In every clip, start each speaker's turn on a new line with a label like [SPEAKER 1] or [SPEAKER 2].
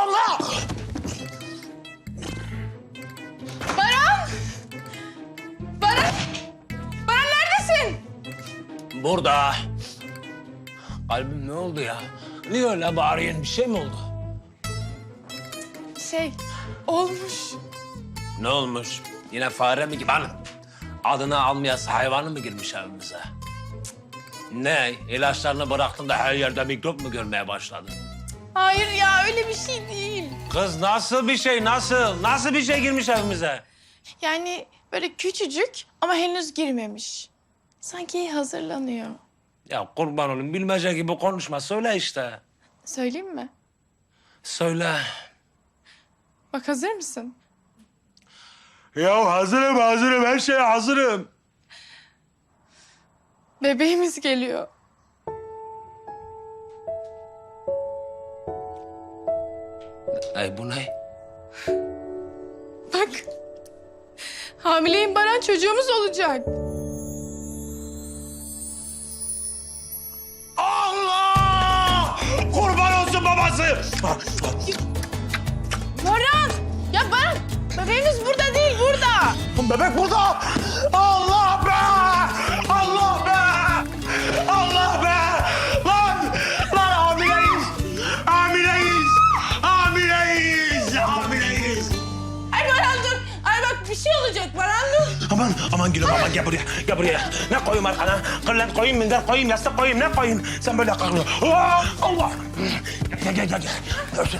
[SPEAKER 1] Allah!
[SPEAKER 2] Baran! Baran! Baran neredesin?
[SPEAKER 3] Burada. Kalbim ne oldu ya? Niye öyle bağırıyorsun? Bir şey mi oldu?
[SPEAKER 2] Olmuş.
[SPEAKER 3] Ne olmuş? Yine fare mi gibi? Hanım, adını almayası hayvanı mı girmiş evimize? Ne? İlaçlarını bıraktın da her yerde mikrop mu görmeye başladın?
[SPEAKER 2] Hayır ya öyle bir şey değil.
[SPEAKER 3] Kız nasıl bir şey? Nasıl? Nasıl bir şey girmiş evimize?
[SPEAKER 2] Yani böyle küçücük ama henüz girmemiş. Sanki hazırlanıyor.
[SPEAKER 3] Ya kurban olayım bilmece gibi konuşma. Söyle işte.
[SPEAKER 2] Söyleyeyim mi?
[SPEAKER 3] Söyle.
[SPEAKER 2] Bak hazır mısın?
[SPEAKER 3] Ya hazırım. Her şeye hazırım.
[SPEAKER 2] Bebeğimiz geliyor.
[SPEAKER 3] Ay bu ne?
[SPEAKER 2] Bak. Hamileyim Baran, çocuğumuz olacak.
[SPEAKER 3] Allah! Kurban olsun babası!
[SPEAKER 2] Baran! Ya Baran, bebeğimiz burada değil, burada.
[SPEAKER 3] Bebek burada! Allah be! Allah be! Allah be! Lan hamileyiz! Hamileyiz!
[SPEAKER 2] Ay Baran dur. Ay bak bir şey olacak Baran dur.
[SPEAKER 3] Aman gülüm aman gel buraya. Ne koyayım arkana? Kırlent koyayım, minder koyayım, yastık koyayım, ne koyayım? Sen böyle kalkma. Allah! Gel. Örtün.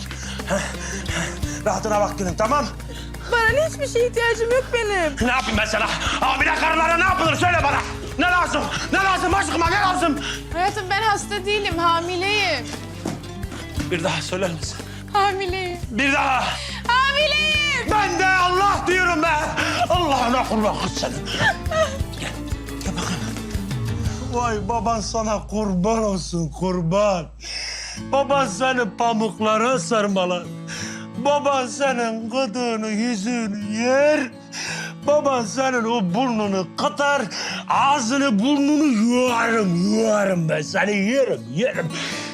[SPEAKER 3] Rahatına bak gülüm, tamam?
[SPEAKER 2] Baran hiçbir şeye ihtiyacım yok benim.
[SPEAKER 3] Ne yapayım ben sana? Hamile karılara ne yapılır söyle bana. Ne lazım? Aşkıma ne lazım?
[SPEAKER 2] Hayatım ben hasta değilim, hamileyim.
[SPEAKER 3] Bir daha söyler misin?
[SPEAKER 2] Hamileyim.
[SPEAKER 3] Bir daha.
[SPEAKER 2] Hamileyim.
[SPEAKER 3] Ben de Allah diyorum be. Allah'ına kurban kız senin. Gel bakalım. Vay baban sana kurban olsun kurban. Baban seni pamuklara sarmalar. Baban senin gıdığını yüzünü yer. Baban senin o burnunu katar. Ağzını burnunu yuarım ben seni yerim.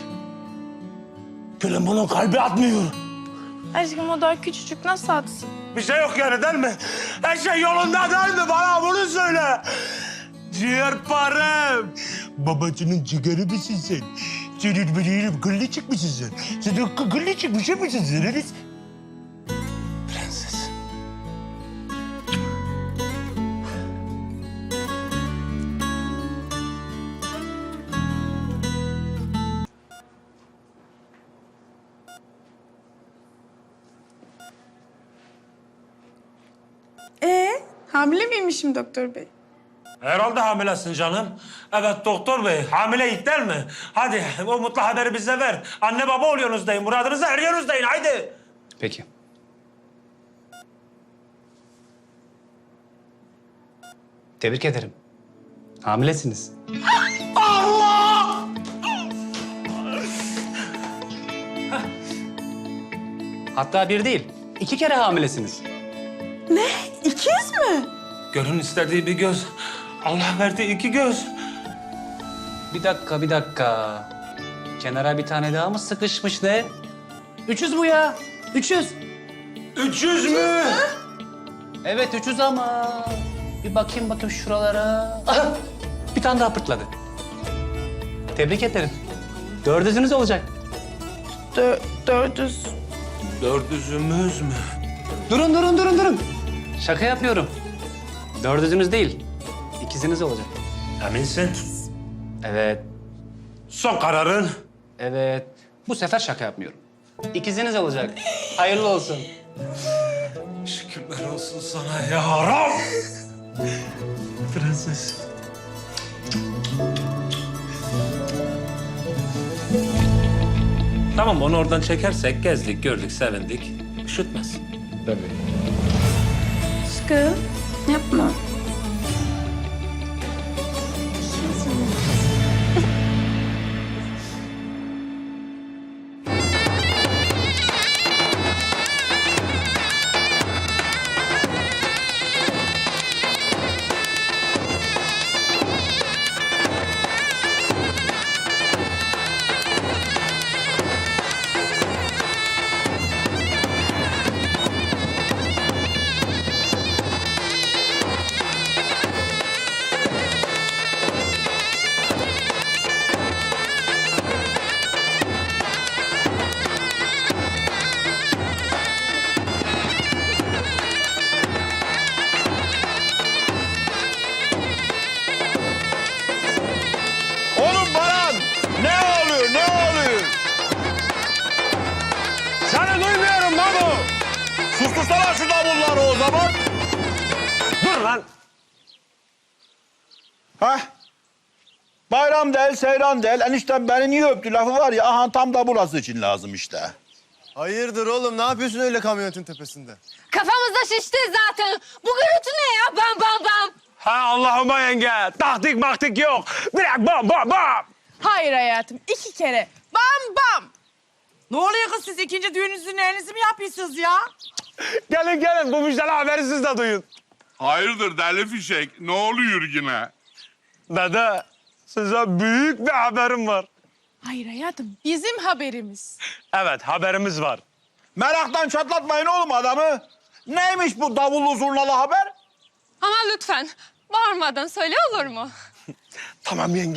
[SPEAKER 3] Gülüm bunun kalbi atmıyor.
[SPEAKER 2] Aşkım o daha küçücük nasıl atsın?
[SPEAKER 3] Bir şey yok yani değil mi? Her şey yolunda değil mi? Bana bunu söyle. Ciğerparem. Babacının ciğeri misin sen? Senin benim gıllıcık mısın sen? Sen gıllıcık bir şey misin sen? Prenses.
[SPEAKER 2] Hamile miymişim doktor bey?
[SPEAKER 3] Herhalde hamilesin canım. Evet doktor bey, hamileyik değil mi? Hadi o mutlu haberi bize ver. Anne baba oluyorsunuz deyin, muradınıza eriyorsunuz deyin, haydi.
[SPEAKER 4] Peki. Tebrik ederim. Hamilesiniz.
[SPEAKER 3] Allah!
[SPEAKER 4] Hatta bir değil, 2 kere hamilesiniz.
[SPEAKER 2] Ne? İkiz mi?
[SPEAKER 3] Gönlün istediği bir göz, Allah verdi 2 göz.
[SPEAKER 4] Bir dakika. Kenara bir tane daha mı sıkışmış ne? 300 bu ya. 300.
[SPEAKER 3] 300 mü?
[SPEAKER 4] Evet 300 ama. Bir bakayım şuralara. Aha! Bir tane daha pırtladı. Tebrik ederim. 400'ünüz olacak.
[SPEAKER 2] 400.
[SPEAKER 3] 400'ümüz mü?
[SPEAKER 4] Durun. Şaka yapıyorum. 400'ünüz değil. İkiziniz olacak.
[SPEAKER 3] Eminsin?
[SPEAKER 4] Evet.
[SPEAKER 3] Son kararın?
[SPEAKER 4] Evet. Bu sefer şaka yapmıyorum. İkiziniz olacak. Hayırlı olsun.
[SPEAKER 3] Şükürler olsun sana ya Rab. Prenses. Tamam onu oradan çekersek gezdik, gördük, sevindik. Üşütmez.
[SPEAKER 4] Tabii.
[SPEAKER 2] Aşkım yapma.
[SPEAKER 1] Sustursana şu davulları o zaman.
[SPEAKER 3] Dur lan.
[SPEAKER 1] Hah. Bayram değil, seyran değil. Eniştem beni niye öptü lafı var ya. Aha tam da burası için lazım işte.
[SPEAKER 5] Hayırdır oğlum? Ne yapıyorsun öyle kamyonetin tepesinde?
[SPEAKER 6] Kafamızda şişti zaten. Bu gürültü ne ya? Bam bam bam.
[SPEAKER 3] Ha Allah'ıma yenge. Taktik maktik yok. Direkt bam bam bam.
[SPEAKER 2] Hayır hayatım 2 kere. Bam bam.
[SPEAKER 7] Ne oluyor kız siz ikinci düğününüzün elinizi mi yapıyorsunuz ya?
[SPEAKER 3] Gelin gelin bu müjdeli haberi siz de duyun.
[SPEAKER 8] Hayırdır deli fişek? Ne oluyor yine?
[SPEAKER 3] Dede size büyük bir haberim var.
[SPEAKER 2] Hayır hayatım bizim haberimiz.
[SPEAKER 3] Evet haberimiz var.
[SPEAKER 1] Meraktan çatlatmayın oğlum adamı. Neymiş bu davullu zurnalı haber?
[SPEAKER 6] Ama lütfen bağırmadan söyle olur mu?
[SPEAKER 3] Tamam yenge.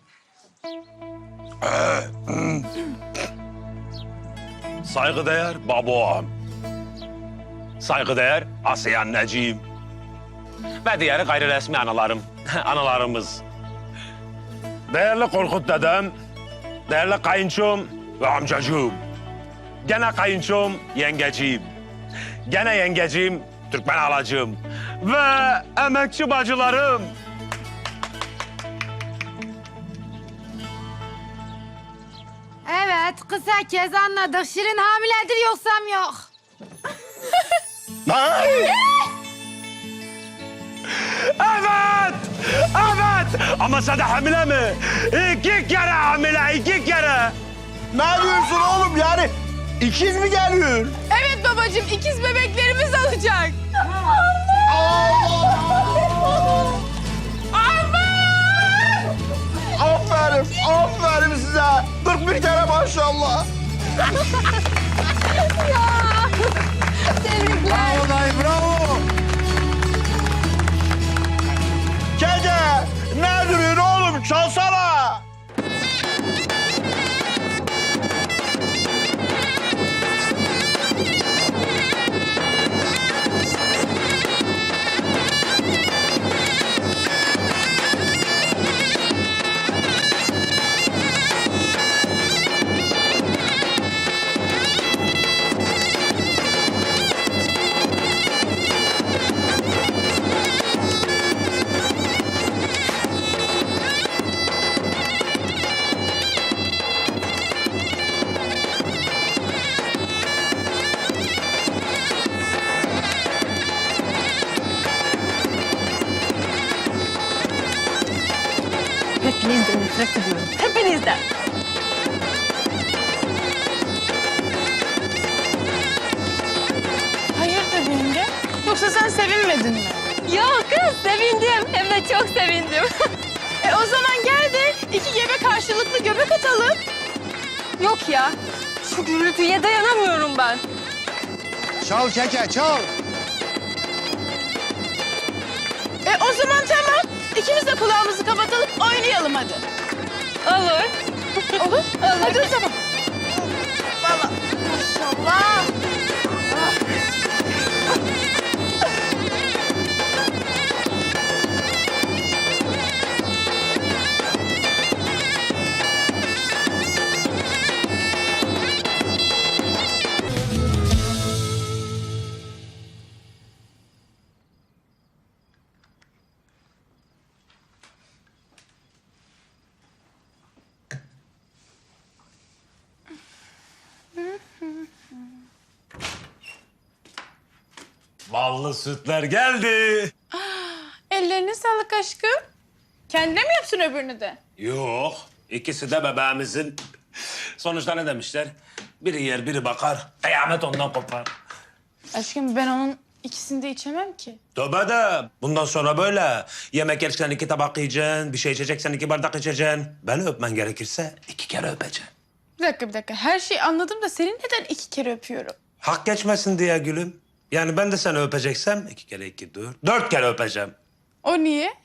[SPEAKER 3] Saygıdeğer babam. Saygıdeğer Asiye anneciğim. Ve diğer gayri resmi analarım. Analarımız. Değerli Korkut dedem. Değerli kayınçom ve amcacığım. Gene kayınçom yengeciğim. Gene yengeciğim Türkmen halacığım. Ve emekçi bacılarım.
[SPEAKER 6] Evet kısa kez anladık. Şirin hamiledir yoksam yok.
[SPEAKER 3] Evet! Evet! Ama sen de hamile mi? 2 kere hamile, 2 kere.
[SPEAKER 1] Ne diyorsun oğlum yani? İkiz mi geliyor?
[SPEAKER 2] Evet babacığım ikiz bebeklerimiz olacak.
[SPEAKER 1] Aferin, aferin size. 41 kere maşallah.
[SPEAKER 5] Bravo dayı bravo.
[SPEAKER 1] Keke, ne duruyorsun oğlum? Çalsana.
[SPEAKER 6] Hepinizden nefret ediyorum. Hepinizden.
[SPEAKER 2] Hayırdır yenge? Yoksa sen sevinmedin mi?
[SPEAKER 6] Yok kız sevindim. Hem de çok sevindim.
[SPEAKER 2] O zaman gel de 2 gebe karşılıklı göbek atalım.
[SPEAKER 6] Yok ya. Şu gürültüye dayanamıyorum ben.
[SPEAKER 5] Çal keke çal.
[SPEAKER 2] O zaman tamam. İkimiz de kulağımızı kapatalım oynayalım hadi.
[SPEAKER 6] Olur.
[SPEAKER 2] Olur. Hadi o zaman. Valla maşallah.
[SPEAKER 3] Ballı sütler geldi.
[SPEAKER 2] Ellerine sağlık aşkım. Kendine mi yapsın öbürünü de?
[SPEAKER 3] Yok, ikisi de bebeğimizin. Sonuçta ne demişler? Biri yer, biri bakar. Kıyamet ondan kopar.
[SPEAKER 2] Aşkım ben onun ikisini de içemem ki.
[SPEAKER 3] Tövbe de. Bundan sonra böyle. Yemek yerken 2 tabak yiyeceksin, bir şey içeceksen 2 bardak içeceksin. Beni öpmen gerekirse 2 kere öpeceksin.
[SPEAKER 2] Bir dakika. Her şeyi anladım da seni neden 2 kere öpüyorum?
[SPEAKER 3] Hak geçmesin diye gülüm. Yani ben de seni öpeceksem 2 kere 2, 4. 4 kere öpeceğim.
[SPEAKER 2] O niye?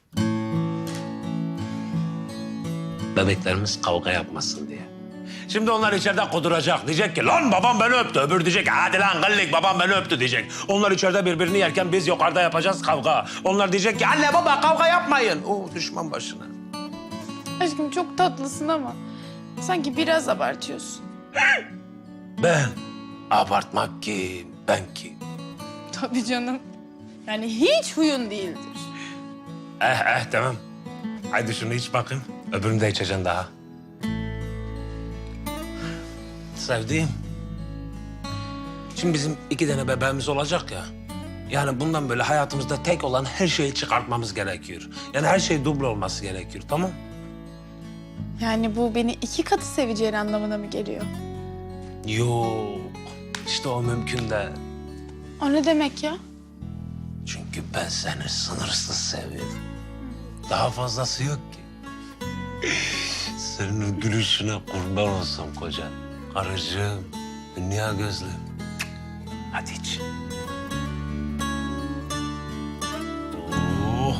[SPEAKER 3] Bebeklerimiz kavga yapmasın diye. Şimdi onlar içeride kuduracak. Diyecek ki lan babam beni öptü. Öbürü diyecek hadi lan gıllik babam beni öptü diyecek. Onlar içeride birbirini yerken biz yukarıda yapacağız kavga. Onlar diyecek ki anne baba kavga yapmayın. Oo düşman başına.
[SPEAKER 2] Aşkım çok tatlısın ama sanki biraz abartıyorsun.
[SPEAKER 3] Ben abartmak kim? ben ki.
[SPEAKER 2] Tabii canım. Yani hiç huyun değildir.
[SPEAKER 3] Tamam. Haydi şunu iç bakayım. Öbürünü de içeceksin daha. Sevdiğim. Şimdi bizim 2 tane bebeğimiz olacak ya. Yani bundan böyle hayatımızda tek olan her şeyi çıkartmamız gerekiyor. Yani her şey duble olması gerekiyor, tamam?
[SPEAKER 2] Yani bu beni 2 katı seveceğin anlamına mı geliyor?
[SPEAKER 3] Yok. İşte o mümkün değil.
[SPEAKER 2] O ne demek ya?
[SPEAKER 3] Çünkü ben seni sınırsız seviyorum. Daha fazlası yok ki. Senin o gülüşüne kurban olsam koca. Karıcığım, dünya gözlüm. Hadi iç. Oh.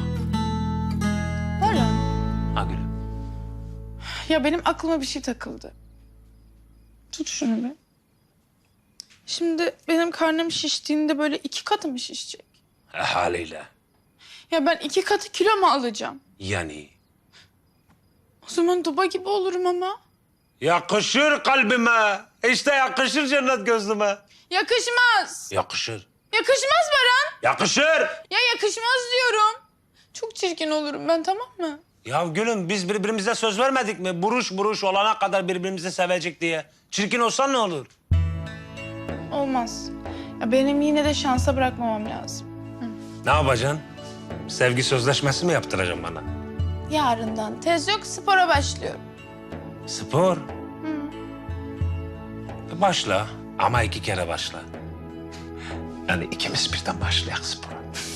[SPEAKER 2] Baran.
[SPEAKER 3] Ha gülüm.
[SPEAKER 2] Ya benim aklıma bir şey takıldı. Tut şunu bir. Şimdi benim karnım şiştiğinde böyle 2 katı mı şişecek?
[SPEAKER 3] Haliyle.
[SPEAKER 2] Ya ben 2 katı kilo mu alacağım?
[SPEAKER 3] Yani.
[SPEAKER 2] O zaman duba gibi olurum ama.
[SPEAKER 3] Yakışır kalbime. İşte yakışır cennet gözlüme.
[SPEAKER 2] Yakışmaz.
[SPEAKER 3] Yakışır.
[SPEAKER 2] Yakışmaz Baran.
[SPEAKER 3] Yakışır.
[SPEAKER 2] Ya yakışmaz diyorum. Çok çirkin olurum ben, tamam mı?
[SPEAKER 3] Ya gülüm biz birbirimize söz vermedik mi? Buruş buruş olana kadar birbirimizi sevecek diye. Çirkin olsan ne olur?
[SPEAKER 2] Olmaz. Ya benim yine de şansa bırakmamam lazım.
[SPEAKER 3] Ne yapacaksın? Sevgi sözleşmesi mi yaptıracaksın bana?
[SPEAKER 2] Yarından tez yok, spora başlıyorum.
[SPEAKER 3] Spor. Başla ama 2 kere başla. Yani ikimiz birden başlayalım spora.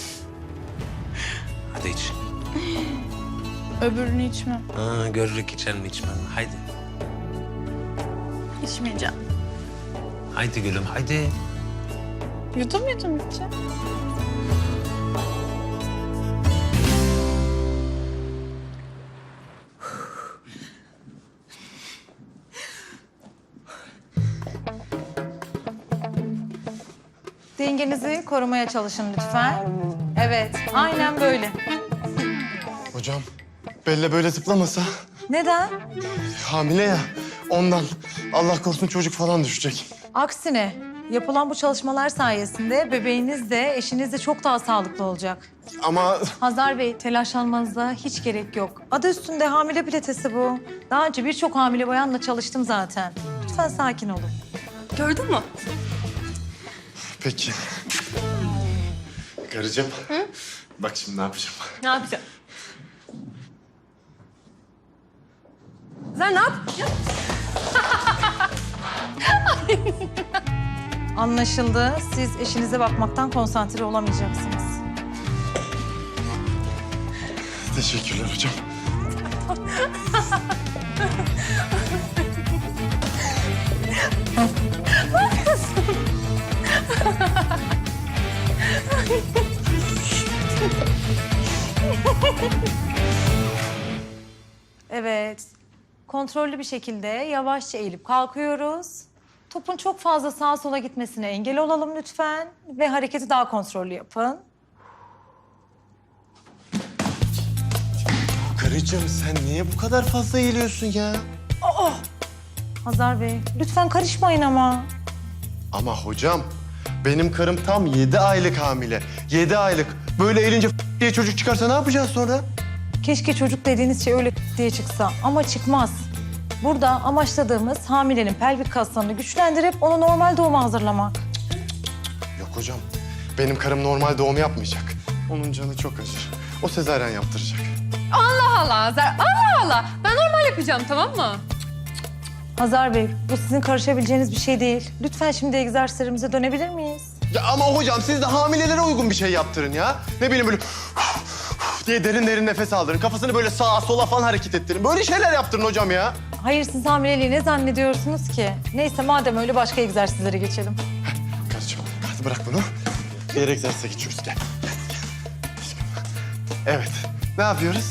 [SPEAKER 3] Hadi iç.
[SPEAKER 2] Öbürünü içmem.
[SPEAKER 3] Görürük içelim içmem. Haydi.
[SPEAKER 2] İçmeyeceğim.
[SPEAKER 3] Haydi gülüm haydi.
[SPEAKER 2] Yudum yudum içeceğim.
[SPEAKER 6] Dengenizi korumaya çalışın lütfen. Evet, aynen böyle.
[SPEAKER 5] Hocam, Bella böyle zıplamasa
[SPEAKER 6] Neden?
[SPEAKER 5] hamile ya. Ondan Allah korusun çocuk falan düşecek.
[SPEAKER 6] Aksine yapılan bu çalışmalar sayesinde bebeğiniz de eşiniz de çok daha sağlıklı olacak.
[SPEAKER 5] Ama
[SPEAKER 6] Hazar Bey, telaşlanmanıza hiç gerek yok. Adı üstünde hamile pilatesi bu. Daha önce birçok hamile bayanla çalıştım zaten. Lütfen sakin olun.
[SPEAKER 7] Gördün mü?
[SPEAKER 5] peki. Karıcığım. Bak şimdi ne yapacağım.
[SPEAKER 7] Ne yapacağım? Sen ne yap?
[SPEAKER 6] Anlaşıldı. Siz eşinize bakmaktan konsantre olamayacaksınız.
[SPEAKER 5] Teşekkürler hocam.
[SPEAKER 6] Evet. Kontrollü bir şekilde yavaşça eğilip kalkıyoruz. Topun çok fazla sağa sola gitmesine engel olalım lütfen. Ve hareketi daha kontrollü yapın.
[SPEAKER 5] Karıcığım sen niye bu kadar fazla eğiliyorsun ya?
[SPEAKER 6] Hazar Bey, lütfen karışmayın ama.
[SPEAKER 5] Ama hocam benim karım tam 7 aylık hamile. 7 aylık. Böyle eğilince diye çocuk çıkarsa ne yapacağız sonra?
[SPEAKER 6] Keşke çocuk dediğiniz şey öyle diye çıksa ama çıkmaz. Burada amaçladığımız hamilenin pelvik kaslarını güçlendirip onu normal doğuma hazırlamak.
[SPEAKER 5] Yok hocam. Benim karım normal doğum yapmayacak. Onun canı çok acır. O sezaryen yaptıracak.
[SPEAKER 7] Allah Allah Hazar. Allah Allah. Ben normal yapacağım, tamam mı?
[SPEAKER 6] Hazar Bey, bu sizin karışabileceğiniz bir şey değil. Lütfen şimdi egzersizlerimize dönebilir miyiz?
[SPEAKER 5] Ya ama hocam siz de hamilelere uygun bir şey yaptırın ya. Ne bileyim böyle diye derin derin nefes aldırın. Kafasını böyle sağa sola falan hareket ettirin. Böyle şeyler yaptırın hocam ya.
[SPEAKER 6] Hayır, siz hamileliği ne zannediyorsunuz ki? Neyse madem öyle başka egzersizlere geçelim.
[SPEAKER 5] Karıcığım hadi bırak bunu. Diğer egzersize geçiyoruz. Gel. Gel. Aşkım. Evet. Ne yapıyoruz?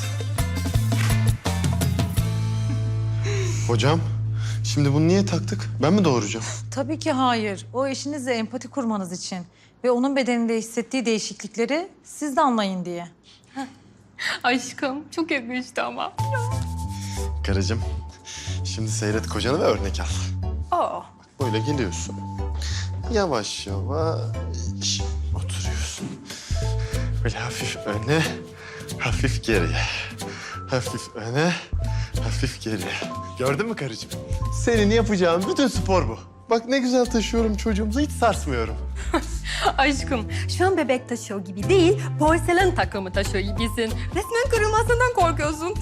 [SPEAKER 5] Hocam şimdi bunu niye taktık? Ben mi doğuracağım?
[SPEAKER 6] Tabii ki hayır. O eşinizle empati kurmanız için ve onun bedeninde hissettiği değişiklikleri siz de anlayın diye.
[SPEAKER 7] Aşkım çok yakıştı ama.
[SPEAKER 5] Karıcığım şimdi seyret kocanı ve örnek al.
[SPEAKER 7] Aa.
[SPEAKER 5] Böyle geliyorsun. Yavaş yavaş oturuyorsun. Böyle hafif öne, hafif geriye. Hafif öne, hafif geriye. Gördün mü karıcığım? Senin yapacağın bütün spor bu. Bak ne güzel taşıyorum çocuğumuzu, hiç sarsmıyorum.
[SPEAKER 9] Aşkım, şu an bebek taşıyor gibi değil, porselen takımı taşıyor gibisin. Resmen kırılmasından korkuyorsun.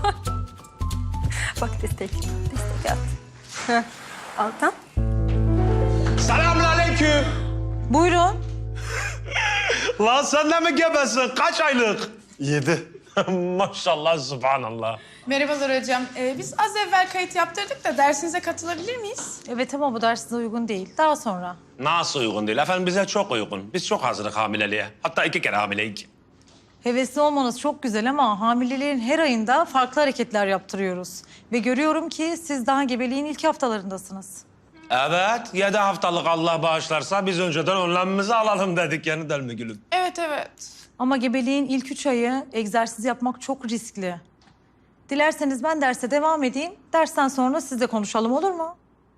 [SPEAKER 9] Bak destek at. Heh, Altan.
[SPEAKER 3] Selamünaleyküm.
[SPEAKER 6] Buyurun.
[SPEAKER 3] Lan sen de mi gebesin? Kaç aylık?
[SPEAKER 5] 7.
[SPEAKER 3] Maşallah, subhanallah.
[SPEAKER 2] Merhabalar hocam. Biz az evvel kayıt yaptırdık da dersinize katılabilir miyiz?
[SPEAKER 6] Evet ama bu ders size uygun değil. Daha sonra.
[SPEAKER 3] Nasıl uygun değil? Efendim bize çok uygun. Biz çok hazırlık hamileliğe. Hatta 2 kere hamileyiz.
[SPEAKER 6] Hevesli olmanız çok güzel ama hamileliğin her ayında farklı hareketler yaptırıyoruz. Ve görüyorum ki siz daha gebeliğin ilk haftalarındasınız.
[SPEAKER 3] Evet, 7 haftalık Allah bağışlarsa biz önceden önlemimizi alalım dedik yani değil mi gülüm?
[SPEAKER 2] Evet, evet.
[SPEAKER 6] Ama gebeliğin ilk 3 ayı egzersiz yapmak çok riskli. Dilerseniz ben derse devam edeyim. Dersten sonra siz de konuşalım, olur mu?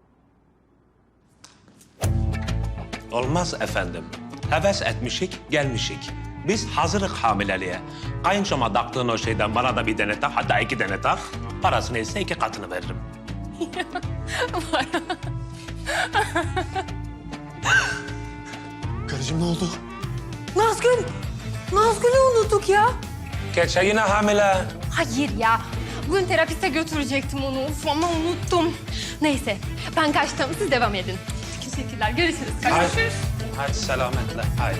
[SPEAKER 3] Olmaz efendim. Heves etmişik, gelmişik. Biz hazırlık hamileliğe. Kayınçoma taktığın o şeyden bana da bir tane tak, hatta 2 tane tak. Parası neyse 2 katını veririm.
[SPEAKER 5] Karıcığım ne oldu?
[SPEAKER 9] Nazgül'ü unuttuk ya.
[SPEAKER 3] Geçe yine hamile.
[SPEAKER 9] Hayır ya, bugün terapiste götürecektim onu ama unuttum. Neyse, ben kaçtım, siz devam edin. Teşekkürler, görüşürüz.
[SPEAKER 3] Hadi, hadi selametle, hadi.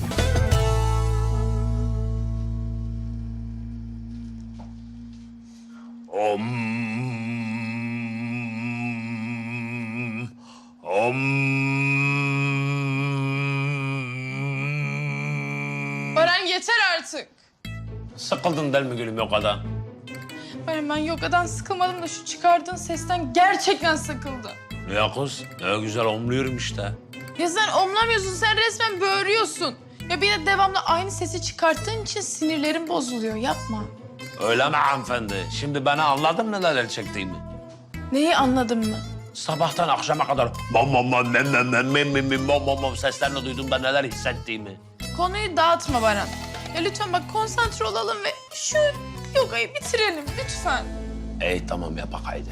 [SPEAKER 2] Baran yeter artık.
[SPEAKER 3] Sıkıldın değil mi gülüm o kadar?
[SPEAKER 2] Baran ben yogadan sıkılmadım da şu çıkardığın sesten gerçekten sıkıldım.
[SPEAKER 3] Ya kız, ne güzel omluyorum işte.
[SPEAKER 2] Ya sen omlamıyorsun, sen resmen böğürüyorsun. Ya bir de devamlı aynı sesi çıkarttığın için sinirlerim bozuluyor. Yapma.
[SPEAKER 3] Öyle mi hanımefendi? Şimdi beni anladın mı neler çektiğimi?
[SPEAKER 2] Neyi anladın mı?
[SPEAKER 3] Sabahtan akşama kadar bam bam bam mem mem mem mem mem mem bam bam bam seslerini duydum da neler hissettiğimi.
[SPEAKER 2] Konuyu dağıtma Baran. Ya lütfen bak konsantre olalım ve şu yogayı bitirelim lütfen.
[SPEAKER 3] İyi tamam ya bak haydi.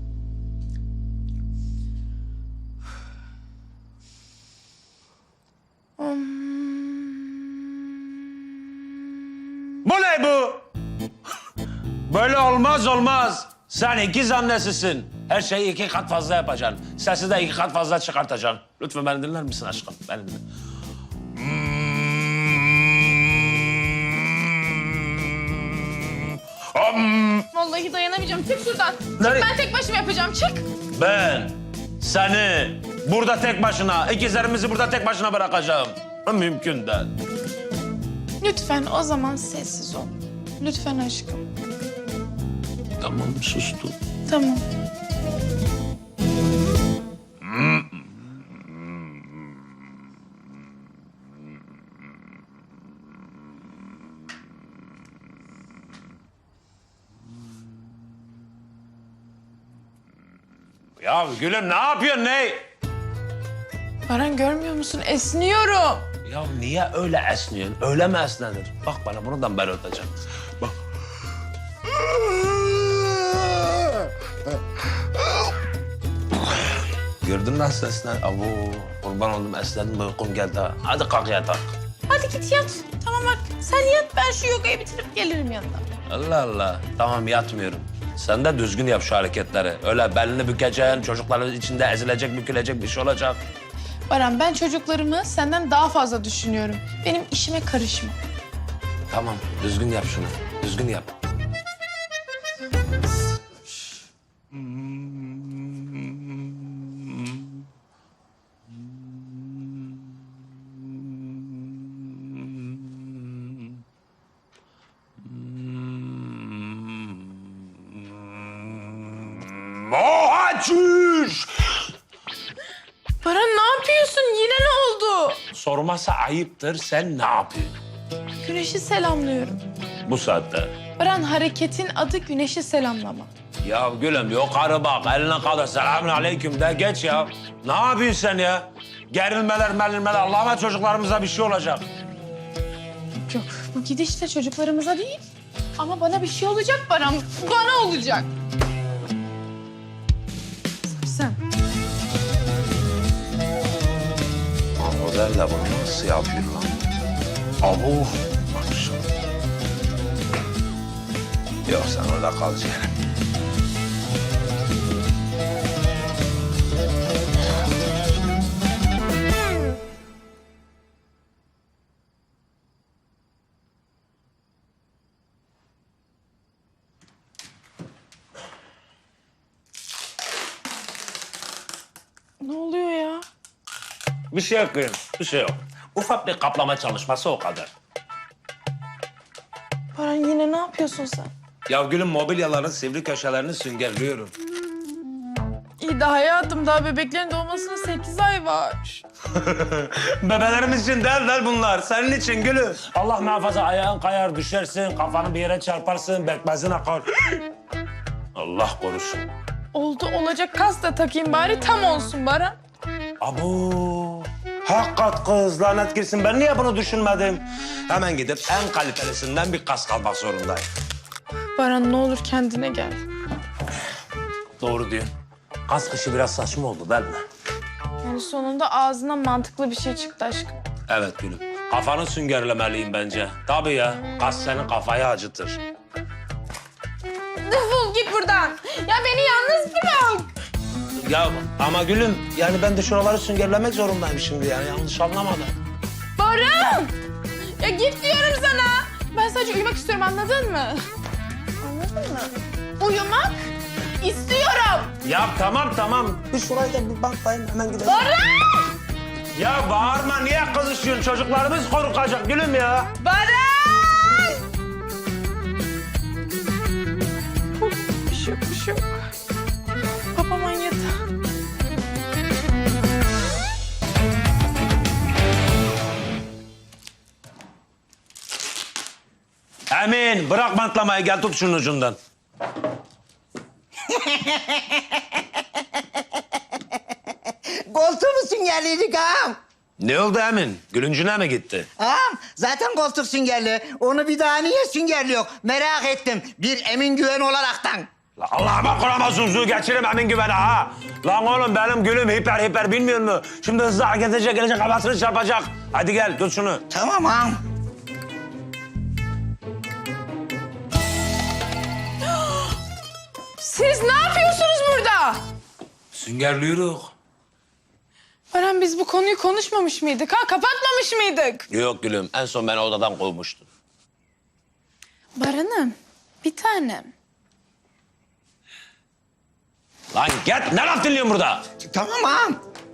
[SPEAKER 3] Bu ne bu? Böyle olmaz. Sen ikiz annesisin. Her şeyi 2 kat fazla yapacaksın. Sesi de 2 kat fazla çıkartacaksın. Lütfen beni dinler misin aşkım? Beni dinle.
[SPEAKER 2] Vallahi dayanamayacağım. Çık şuradan.
[SPEAKER 3] Nereye?
[SPEAKER 2] Çık, ben tek başıma yapacağım. Çık.
[SPEAKER 3] Ben seni burada tek başına, ikizlerimizi burada tek başına bırakacağım. Mümkün değil.
[SPEAKER 2] Lütfen o zaman sessiz ol. Lütfen aşkım.
[SPEAKER 3] Tamam sustum.
[SPEAKER 2] Tamam.
[SPEAKER 3] Ya gülüm ne yapıyorsun ne?
[SPEAKER 2] Baran görmüyor musun? Esniyorum.
[SPEAKER 3] Ya niye öyle esniyorsun? Öyle mi esnenir? Bak bana buradan ben öteceğim. Bak. Gördün nasıl esnen? Abo kurban oldum esnedim uykum geldi ha. Hadi kalk yatak.
[SPEAKER 2] Hadi git yat. Tamam bak sen yat, ben şu yogayı bitirip gelirim yanına.
[SPEAKER 3] Allah Allah. Tamam yatmıyorum. Sen de düzgün yap şu hareketleri. Öyle belini bükeceksin, çocukların içinde ezilecek, bükülecek bir şey olacak.
[SPEAKER 2] Baran ben çocuklarımı senden daha fazla düşünüyorum. Benim işime karışma.
[SPEAKER 3] Tamam, düzgün yap şunu. Düzgün yap. Mohacüş!
[SPEAKER 2] Baran ne yapıyorsun? Yine ne oldu?
[SPEAKER 3] Sorması ayıptır. Sen ne yapıyorsun
[SPEAKER 2] Güneşi selamlıyorum.
[SPEAKER 3] bu saatte?
[SPEAKER 2] Baran hareketin adı güneşi selamlama.
[SPEAKER 3] Ya gülüm yok karı bak eline kadar selamun aleyküm de geç ya. Ne yapıyorsun sen ya? Gerilmeler Allah'ıma çocuklarımıza bir şey olacak.
[SPEAKER 2] Yok bu gidişle çocuklarımıza değil. Ama bana bir şey olacak Baran. Bana olacak. Sen.
[SPEAKER 3] O der de bunu nasıl yapıyor lan? Abu. Yok sen orada kalacaksın.
[SPEAKER 2] Ne oluyor ya?
[SPEAKER 3] Bir şey yok gülüm, bir şey yok. Ufak bir kaplama çalışması o kadar.
[SPEAKER 2] Baran yine ne yapıyorsun sen?
[SPEAKER 3] Ya gülüm mobilyaların sivri köşelerini süngerliyorum.
[SPEAKER 2] İyi de hayatım daha bebeklerin doğmasına 8 ay var.
[SPEAKER 3] Bebelerimiz için değil bunlar. Senin için gülüm. Allah muhafaza ayağın kayar düşersin, kafanı bir yere çarparsın, bekmezin akar. Allah korusun.
[SPEAKER 2] Oldu olacak kas da takayım bari tam olsun Baran.
[SPEAKER 3] Abu. Hakikat kız lanet girsin. Ben niye bunu düşünmedim? Hemen gidip en kalitelisinden bir kask almak zorundayım.
[SPEAKER 2] Baran ne olur kendine gel.
[SPEAKER 3] Doğru diyorsun. Kask işi biraz saçma oldu değil mi?
[SPEAKER 2] Yani sonunda ağzına mantıklı bir şey çıktı aşkım.
[SPEAKER 3] Evet gülüm. Kafanı süngerlemeliyim bence. Tabii ya. Kask senin kafayı acıtır.
[SPEAKER 2] Defol git buradan. Ya beni yalnız bırak.
[SPEAKER 3] Ya ama gülüm yani ben de şuraları süngerlemek zorundayım şimdi yani yanlış anlamadım.
[SPEAKER 2] Baran! Ya git diyorum sana. Ben sadece uyumak istiyorum anladın mı? Anladın mı? Uyumak istiyorum.
[SPEAKER 3] Ya tamam. Bir şurayı da bir bantlayayım hemen gidelim.
[SPEAKER 2] Baran!
[SPEAKER 3] Ya bağırma niye kızışıyorsun? Çocuklarımız korkacak gülüm ya.
[SPEAKER 2] Baran! Bir şey yok. Babam manyadı.
[SPEAKER 3] Emin bırak bantlamayı gel tut şunun ucundan.
[SPEAKER 10] Koltuğu mu süngerliydik ağam?
[SPEAKER 3] Ne oldu Emin? Gülüncüne mi gitti?
[SPEAKER 10] Ağam zaten koltuk süngerli. Onu bir daha niye süngerliyor? Merak ettim. Bir Emin Güven olaraktan.
[SPEAKER 3] La Allah'ıma kuramazsın su geçirim Emin güvene ha. Lan oğlum benim gülüm hiper bilmiyor mu? Şimdi hızlı hareket edecek gelecek kafasını çarpacak. Hadi gel tut şunu.
[SPEAKER 10] Tamam ağam.
[SPEAKER 2] Siz ne yapıyorsunuz burada?
[SPEAKER 3] Süngerliyoruz.
[SPEAKER 2] Baran biz bu konuyu konuşmamış mıydık ha? Kapatmamış mıydık?
[SPEAKER 3] Yok gülüm en son beni odadan kovmuştun.
[SPEAKER 2] Baran'ım bir tanem.
[SPEAKER 3] Lan git ne laf dinliyorsun burada?
[SPEAKER 10] Tamam ağam.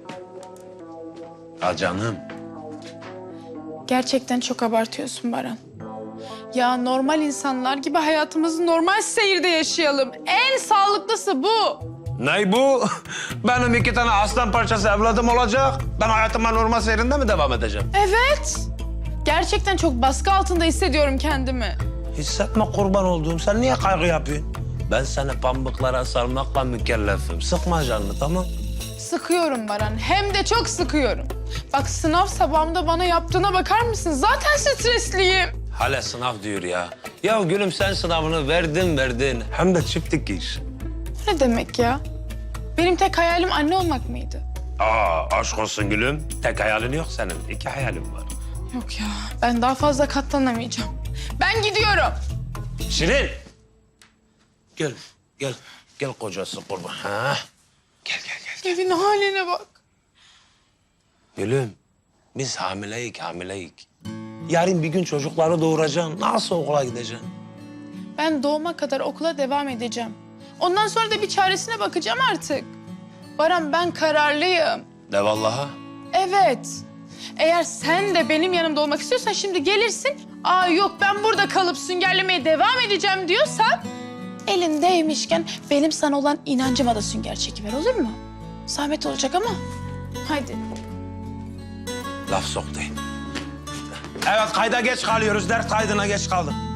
[SPEAKER 3] Ha canım.
[SPEAKER 2] Gerçekten çok abartıyorsun Baran. Ya normal insanlar gibi hayatımızı normal seyirde yaşayalım. En sağlıklısı bu.
[SPEAKER 3] Ne bu? Benim 2 tane aslan parçası evladım olacak. Ben hayatıma normal seyrinde mi devam edeceğim?
[SPEAKER 2] Evet. Gerçekten çok baskı altında hissediyorum kendimi.
[SPEAKER 3] Hissetme kurban olduğum. Sen niye kaygı yapıyorsun? Ben seni pamuklara sarmakla mükellefim. Sıkma canını tamam?
[SPEAKER 2] Sıkıyorum Baran. Hem de çok sıkıyorum. Bak sınav sabahımda bana yaptığına bakar mısın? Zaten stresliyim.
[SPEAKER 3] Hala sınav diyor ya. Ya gülüm sen sınavını verdin. Hem de çiftlik iş.
[SPEAKER 2] Ne demek ya? Benim tek hayalim anne olmak mıydı?
[SPEAKER 3] Aşk olsun gülüm. Tek hayalin yok senin. 2 hayalin var.
[SPEAKER 2] Yok ya. Ben daha fazla katlanamayacağım. Ben gidiyorum.
[SPEAKER 3] Şirin. Gel kocası kurban. Ha? Gel.
[SPEAKER 2] Evin haline bak.
[SPEAKER 3] Gülüm biz hamileyik. Yarın bir gün çocukları doğuracaksın. Nasıl okula gideceksin?
[SPEAKER 2] Ben doğuma kadar okula devam edeceğim. Ondan sonra da bir çaresine bakacağım artık. Baran ben kararlıyım.
[SPEAKER 3] De vallaha.
[SPEAKER 2] Evet. Eğer sen de benim yanımda olmak istiyorsan şimdi gelirsin. Aa yok ben burada kalıp süngerlemeye devam edeceğim diyorsan... elindeymişken benim sana olan inancıma da sünger çekiver olur mu? Zahmet olacak ama. Haydi.
[SPEAKER 3] Laf soktayım. Evet kayda geç kalıyoruz. Ders kaydına geç kaldım.